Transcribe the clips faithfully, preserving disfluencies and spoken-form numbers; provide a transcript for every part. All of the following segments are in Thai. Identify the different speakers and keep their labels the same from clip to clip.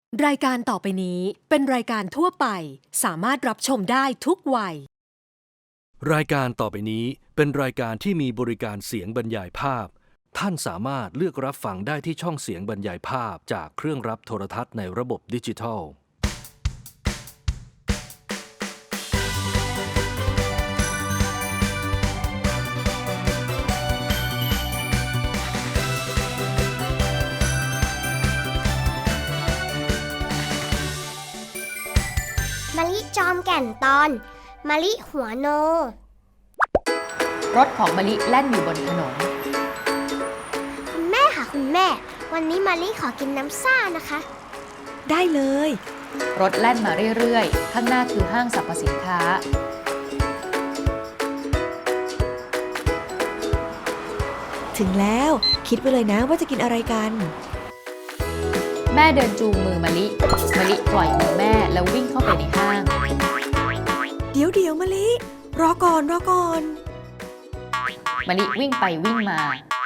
Speaker 1: รายการต่อไปนี้เป็นรายการทั่วไปสามารถรับชมได้ทุกวัย
Speaker 2: รายการต่อไปนี้เป็นรายการที่มีบริการเสียงบรรยายภาพท่านสามารถเลือกรับฟังได้ที่ช่องเสียงบรรยายภาพจากเครื่องรับโทรทัศน์ในระบบดิจิทัล
Speaker 3: มะลิจอมแก่นตอนมะลิหัวโน
Speaker 4: รถของมะลิแล่นอยู่บนถนน
Speaker 3: คุณแม่ค่ะคุณแม่วันนี้มะลิขอกินน้ำซ่านะคะ
Speaker 5: ได้เลย
Speaker 4: รถแล่นมาเรื่อยๆข้างหน้าคือห้างสรรพสินค้า
Speaker 5: ถึงแล้วคิดไว้เลยนะว่าจะกินอะไรกัน
Speaker 4: แม่เดินจูงมือมะลิมะลิปล่อยมือแม่แล้ววิ่งเข้าไปในห้าง
Speaker 5: เดี๋ยวเดี๋ยวมะลิรอก่อนรอก่อน
Speaker 4: มะลิวิ่งไปวิ่งมา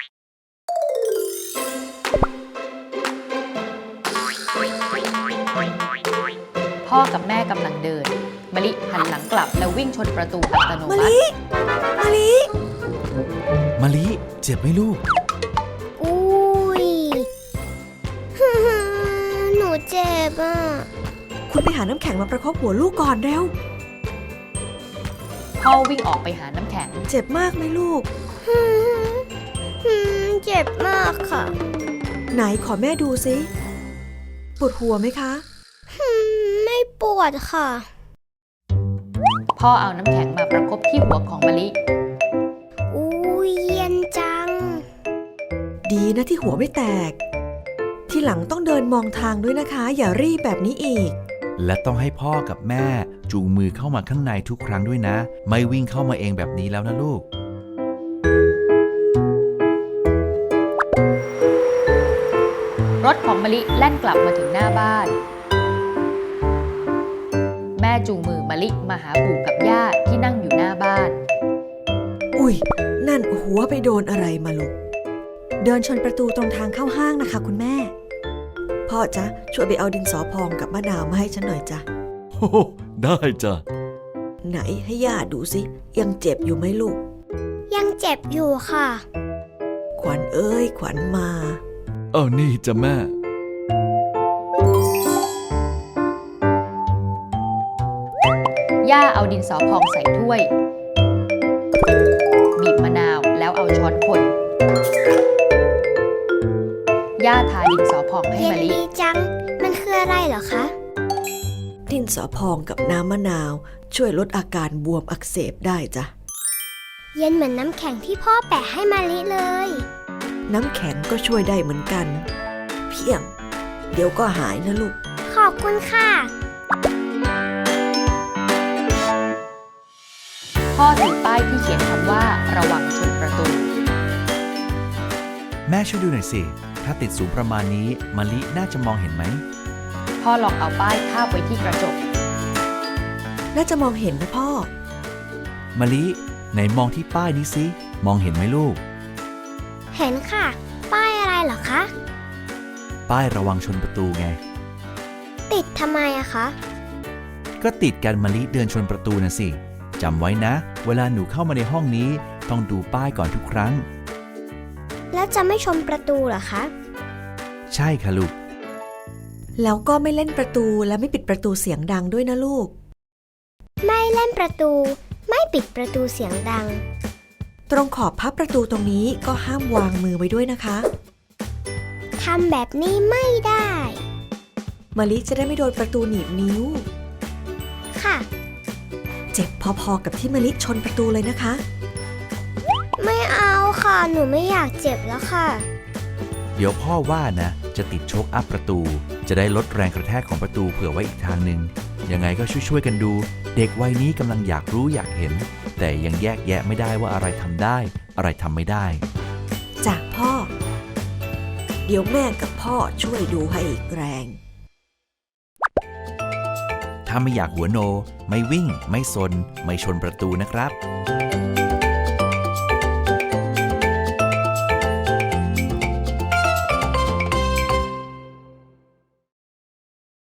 Speaker 4: พ่อกับแม่กำลังเดินมะลิหันหลังกลับแล้ววิ่งชนประตูอัตโนมัติ
Speaker 5: มะลิมะลิ
Speaker 6: มะลิเจ็บไหมลูก
Speaker 3: อุ้ยหนูเจ็บอ่ะ
Speaker 5: คุณไปหาน้ำแข็งมาประคบหัวลูกก่อนเร็ว
Speaker 4: พ่อวิ่งออกไปหาน้ำแข็ง
Speaker 5: เจ็บมากไหมลูก
Speaker 3: เจ็บมากค่ะ
Speaker 5: ไหนขอแม่ดูสิปวดหัวไหมคะ
Speaker 3: ไม่ปวดค่ะ
Speaker 4: พ่อเอาน้ำแข็งมาประคบที่หัวของมะลิ
Speaker 3: อุ้ยเย็นจัง
Speaker 5: ดีนะที่หัวไม่แตกที่หลังต้องเดินมองทางด้วยนะคะอย่ารีบแบบนี้อีก
Speaker 6: และต้องให้พ่อกับแม่จูงมือเข้ามาข้างในทุกครั้งด้วยนะไม่วิ่งเข้ามาเองแบบนี้แล้วนะลูก
Speaker 4: รถของมะลิแล่นกลับมาถึงหน้าบ้านแม่จูงมือมะลิมาหาปู่กับย่าที่นั่งอยู่หน้าบ้าน
Speaker 5: อุ้ยนั่นหัวไปโดนอะไรมาลูกเดินชนประตูตรงทางเข้าห้างนะคะคุณแม่พ่อจ๊ะช่วยไปเอาดินสอพองกับมะนาวมาให้ฉันหน่อยจ้ะ
Speaker 6: โอ้ได้จ้ะ
Speaker 5: ไหนให้ย่าดูสิยังเจ็บอยู่ไหมลูก
Speaker 3: ยังเจ็บอยู่ค่ะ
Speaker 5: ขวัญเอ้ยขวัญมา
Speaker 6: เออนี่จ้ะแม่
Speaker 4: ย่าเอาดินสอพองใส่ถ้วยบีบมะนาวแล้วเอาช้อนคนย่าทาดินสอพองให้มะลิ
Speaker 3: เย็นดีจังมันคืออะไรเหรอคะ
Speaker 5: ดินสอพองกับน้ำมะนาวช่วยลดอาการบวมอักเสบได้จ้ะ
Speaker 3: เย็นเหมือนน้ำแข็งที่พ่อแปะให้มะลิเลย
Speaker 5: น้ำแข็งก็ช่วยได้เหมือนกันเพียงเดี๋ยวก็หายนะลูก
Speaker 3: ขอบคุณค่ะ
Speaker 4: พ่อถือป้ายที่เขียนคำว่าระวังชนประตู
Speaker 6: แม่ช่วยดูหน่อยสิถ้าติดสูงประมาณนี้มะลิน่าจะมองเห็นไหม
Speaker 4: พ่อลองเอาป้ายทาบไว้ที่กระจก
Speaker 5: น่าจะมองเห็นนะพ่อ
Speaker 6: มะลิไหนมองที่ป้ายนี้สิมองเห็นไหมลูก
Speaker 3: เห็นค่ะป้ายอะไรเหรอคะ
Speaker 6: ป้ายระวังชนประตูไง
Speaker 3: ติดทำไมอะคะ
Speaker 6: ก็ติดกันมะลิเดินชนประตูนะสิจำไว้นะเวลาหนูเข้ามาในห้องนี้ต้องดูป้ายก่อนทุกครั้ง
Speaker 3: แล้วจะไม่ชนประตูเหรอคะ
Speaker 6: ใช่ค่ะลูก
Speaker 5: แล้วก็ไม่เล่นประตูและไม่ปิดประตูเสียงดังด้วยนะลูก
Speaker 3: ไม่เล่นประตูไม่ปิดประตูเสียงดัง
Speaker 5: ตรงขอบพับประตูตรงนี้ก็ห้ามวางมือไว้ด้วยนะคะ
Speaker 3: ทำแบบนี้ไม่ได้
Speaker 5: มะลิจะได้ไม่โดนประตูหนีบนิ้ว
Speaker 3: ค่ะ
Speaker 5: เจ็บพอๆกับที่มะลิชนประตูเลยนะคะ
Speaker 3: ไม่เอาค่ะหนูไม่อยากเจ็บแล้วค่ะ
Speaker 6: เดี๋ยวพ่อว่านะจะติดโชคอัพประตูจะได้ลดแรงกระแทกของประตูเผื่อไว้อีกทางหนึ่งยังไงก็ช่วยๆกันดูเด็กวัยนี้กำลังอยากรู้อยากเห็นแต่ยังแยกแยะไม่ได้ว่าอะไรทำได้อะไรทำไม่ได้
Speaker 5: จากพ่อเดี๋ยวแม่กับพ่อช่วยดูให้อีกแรง
Speaker 6: ถ้าไม่อยากหัวโนไม่วิ่งไม่ซนไม่ชนประตูนะครับ